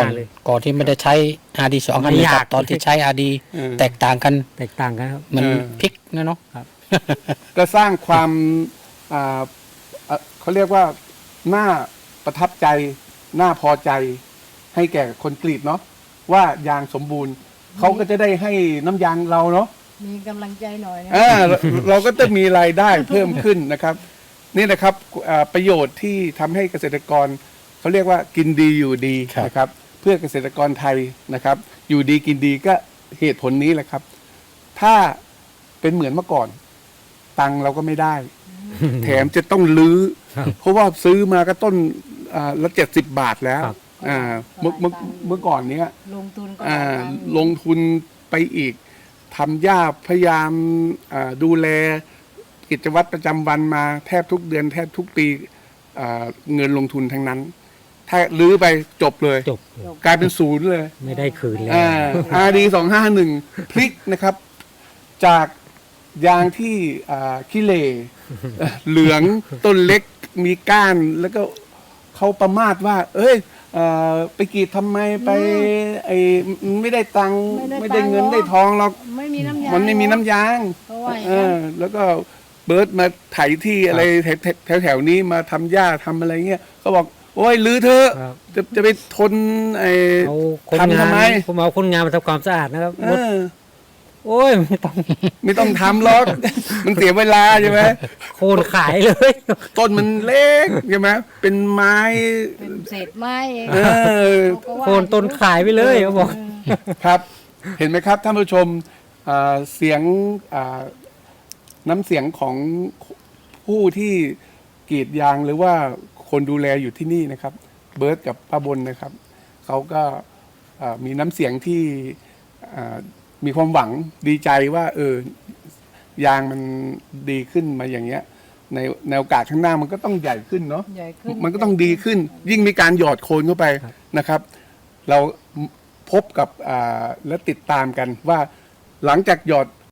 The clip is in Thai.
ก่อนที่ไม่ได้ใช้ RD2 ไม่อันนี้ยากักบตอนที่ใช้ RD แตกต่างกันแตกต่างกันครับมันพลิกนะเนาะก็สร้างความเขาเรียกว่าน่าประทับใจน่าพอใจให้แก่คนกรีดเนาะว่ายางสมบูรณ์เขาก็จะได้ให้น้ำยางเราเนาะมีกำลังใจหน่อยนะเราก็จะมีรายได้เพิ่มขึ้นนะครับ นี่นะครับประโยชน์ที่ทำให้เกษตรกรเขาเรียกว่ากินดีอยู่ดีนะครับ เพื่อเกษตรกรไทยนะครับ อยู่ดีกินดีก็เหตุผลนี้แหละครับ ถ้าเป็นเหมือนเมื่อก่อน ตังค์เราก็ไม่ได้ แถมจะต้องลื้อ เพราะว่าซื้อมาก็ต้นละ70 บาทแล้วครับเมื่อก่อนเนี้ยลงทุนก็หลายตังค์ลงทุนไปอีกทำหญ้าพยายามดูแลกิจวัตรประจำวันมาแทบทุกเดือนแทบทุกปีเงินลงทุนทั้งนั้น ถ้าลื้อไปจบเลยจบกลายเป็นศูนย์เลยไม่ได้คืนเลย RD 251พลิกนะครับ จากยางที่ขี้เหร่เหลืองต้นเล็กมีก้านแล้วก็เขาประมาทว่า เอ้ยไปกรีดทำไมไปไม่ได้ตังค์ไม่ได้เงินได้ทองหรอกไม่มีน้ำยางมันไม่มีน้ำยางเพราะว่าอย่างนั้นแล้วก็เบิร์ดมาไถที่อะไรแถวนี้มาทำหญ้าทำอะไรเงี้ยเขาบอก โอ้ยลื้อเถอะครับจะไปทนเอาคนทำงาทำไมนผมเอาคนงานมาทำความสะอาดนะครับเออโอ้ยไม่ต้องไม่ต้องทำหรอก มันเสียเวลาใช่ไหมโคนขายเลยต้นมันเล็กใช่ไหมเป็นไม้เป็นเศษไม้เองเออเขาก็ว่าโคนต้นขายไปเลยเขาบอกครับ เห็นไหมครับท่านผู้ชมเสียงน้ำเสียงของผู้ที่กรีดยางหรือว่าคนดูแลอยู่ที่นี่นะครับ เบิร์ตกับป้าบนนะครับเขาก็มีน้ำเสียงที่มีความหวังดีใจว่ายางมันดีขึ้นมาอย่างเงี้ยในโอกาสข้างหน้ามันก็ต้องใหญ่ขึ้นเนาะใหญ่ขึ้นมันก็ต้องดีขึ้น ยิ่งมีการหยอดโคนเข้าไปนะครับ เราพบกับและติดตามกันว่าหลังจากหยอด